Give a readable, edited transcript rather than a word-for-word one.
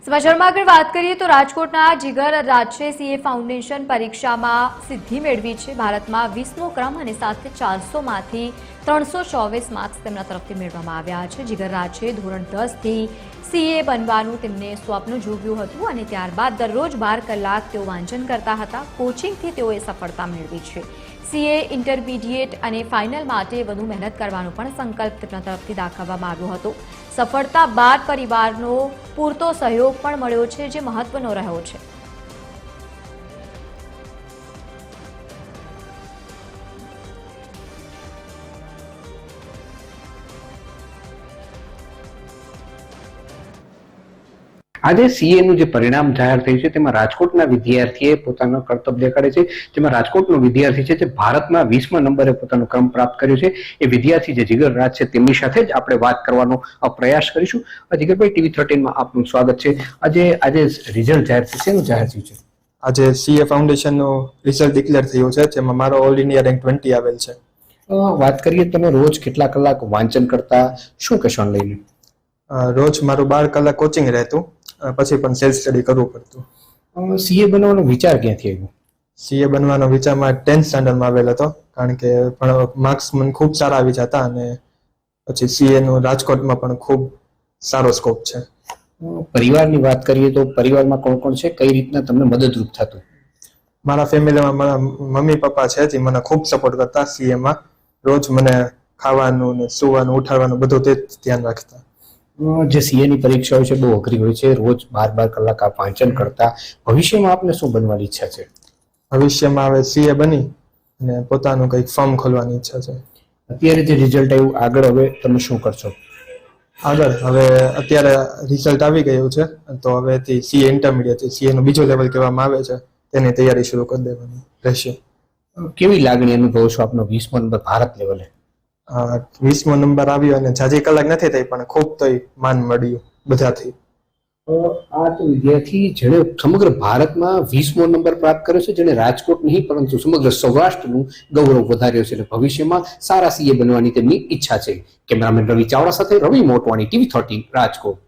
સમાચારમાં આગળ વાત કરીએ તો રાજકોટના જીગર રાજશે સીએ ફાઉન્ડેશન પરીક્ષામાં સિદ્ધિ મેળવી છે। ભારતમાં 20મો ક્રમ અને સાથે 400માંથી 324 માર્ક્સ તેમના તરફથી મેળવવામાં આવ્યા છે। જીગર રાજશે ધોરણ 10થી સીએ બનવાનું તેમને સ્વપ્ન જોવ્યું હતું અને ત્યારબાદ દરરોજ 12 કલાક તેઓ વાંચન કરતા હતા। કોચિંગથી તેઓએ સફળતા મેળવી છે। સીએ ઇન્ટરમીડિયેટ અને ફાઇનલ માટે વધુ મહેનત કરવાનો પણ સંકલ્પ તેમના તરફથી દાખવવામાં આવ્યો હતો। સફળતા બાદ પરિવારનો પૂરતો સહયોગ પણ મળ્યો છે, જે મહત્વનો રહ્યો છે। આજે સીએ નું જે પરિણામ જાહેર થયું છે તેમાં રાજકોટના વિદ્યાર્થીએ પોતાનો કરતબ દેખાડે છે। જેમાં રાજકોટનો વિદ્યાર્થી છે જે ભારતમાં 20મા નંબરે પોતાનો ક્રમ પ્રાપ્ત કર્યો છે। એ વિદ્યાર્થી જે જીગર રાજ છે તેમની સાથે જ આપણે વાત કરવાનો પ્રયાસ કરીશું। જીગરભાઈ, TV13 માં આપનું સ્વાગત છે। આજે રિઝલ્ટ જાહેર થયું છે, શેનું જાહેર થયું છે? આજે સીએ ફાઉન્ડેશનનું રિઝલ્ટ ડિક્લેર થયું છે, જેમાં મારો ઓલ ઇન્ડિયા રેન્ક 20 આવેલ છે। વાત કરીએ તમે રોજ કેટલા કલાક વાંચન કરતા, શું કહેશો લઈને? રોજ મારું 12 કલાક કોચિંગ રહેતું, પછી પણ સેલ્ફ સ્ટડી કરવું પડતું। સીએ બનવાનો વિચાર ક્યાંથી આવ્યો? સીએ બનવાનો વિચાર મારા 10th સ્ટાન્ડર્ડમાં આવેલ હતો, કારણ કે પણ માર્ક્સ મને ખૂબ સારા આવી જતા અને પછી સીએ નું રાજકોટમાં પણ ખૂબ સારો સ્કોપ છે। પરિવારની વાત કરીએ તો પરિવારમાં કોણ કોણ છે, કઈ રીતના તમને મદદરૂપ થતું? મારા ફેમિલીમાં મારા મમ્મી પપ્પા છે જે મને ખૂબ સપોર્ટ કરતા સીએમાં। રોજ મને ખાવાનું ને સુવાનું ઉઠાડવાનું બધું તે જ ધ્યાન રાખતા। જે સીએ ની પરીક્ષા હોય છે બહુ અઘરી હોય છે, રોજ 12 કલાક આપ વાંચન કરતા। ભવિષ્યમાં આપને શું બનવાની ઈચ્છા છે? ભવિષ્યમાં હવે સીએ બની અને પોતાનું કંઈક ફર્મ ખોલવાની ઈચ્છા છે। અત્યારે જે રિઝલ્ટ આવ્યું, આગળ હવે તમે શું કરશો? આગળ હવે અત્યારે રિઝલ્ટ આવી ગયું છે તો હવેથી સીએ ઇન્ટરમીડિયેટ સીએ નું બીજો લેવલ કહેવામાં આવે છે, તેની તૈયારી શરૂ કરી દેવાની રહેશે। કેવી લાગણી અનુભવો છો આપનો 20મો નંબર ભારત લેવલે? 20મો નંબર આવ્યો અને જાજી કલાક નથી થઈ પણ ખૂબ તો માન મળ્યું બધાથી। આ તો વિદ્યાર્થી જેણે સમગ્ર ભારતમાં 20મો નંબર પ્રાપ્ત કર્યો છે, જેને રાજકોટ નહીં પરંતુ સમગ્ર સૌરાષ્ટ્રનું ગૌરવ વધાર્યો છે અને ભવિષ્યમાં સારા સીએ બનવાની તેમની ઈચ્છા છે। કેમેરામેન રવિ ચાવડા સાથે રવિ મોટવાણી, TV13 રાજકોટ।